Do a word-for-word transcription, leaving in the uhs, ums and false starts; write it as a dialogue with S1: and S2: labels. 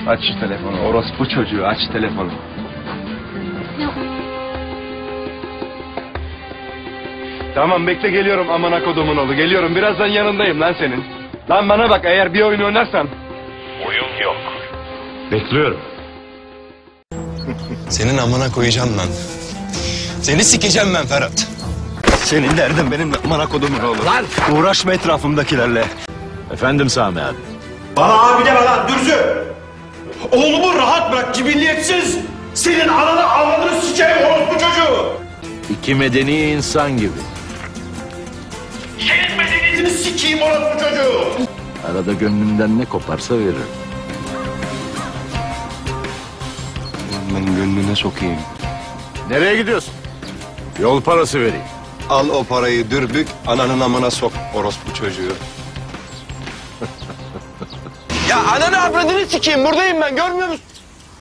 S1: Aç şu telefonu. Orospu çocuğu, aç telefonu.
S2: Ya,
S1: Tamam bekle, geliyorum amına kodumun oğlu. Geliyorum, birazdan yanındayım lan senin. Lan bana bak, eğer bir oyun oynarsan.
S3: Oyun yok.
S1: Bekliyorum.
S4: Senin amına koyacağım lan. Seni sikeceğim ben Ferhat.
S1: Senin derdin benim amına kodumun oğlu. Lan! Uğraşma etrafımdakilerle.
S5: Efendim Sami abi.
S6: Bana abi deme lan Dürzü. Oğlumu rahat bırak cibilliyetsiz. Senin ananı avladığını sikeyim orospu çocuğu.
S5: İki medeni insan gibi.
S6: Senin medeniyetini sikeyim orospu çocuğu.
S5: Arada gönlümden ne koparsa veririm.
S1: Lan ben gönlüne sokayım.
S5: Nereye gidiyorsun? Yol parası vereyim.
S1: Al o parayı dürbük, ananın amına sok orospu çocuğu.
S4: Ya ananı avradını sikeyim, buradayım ben, görmüyor musun?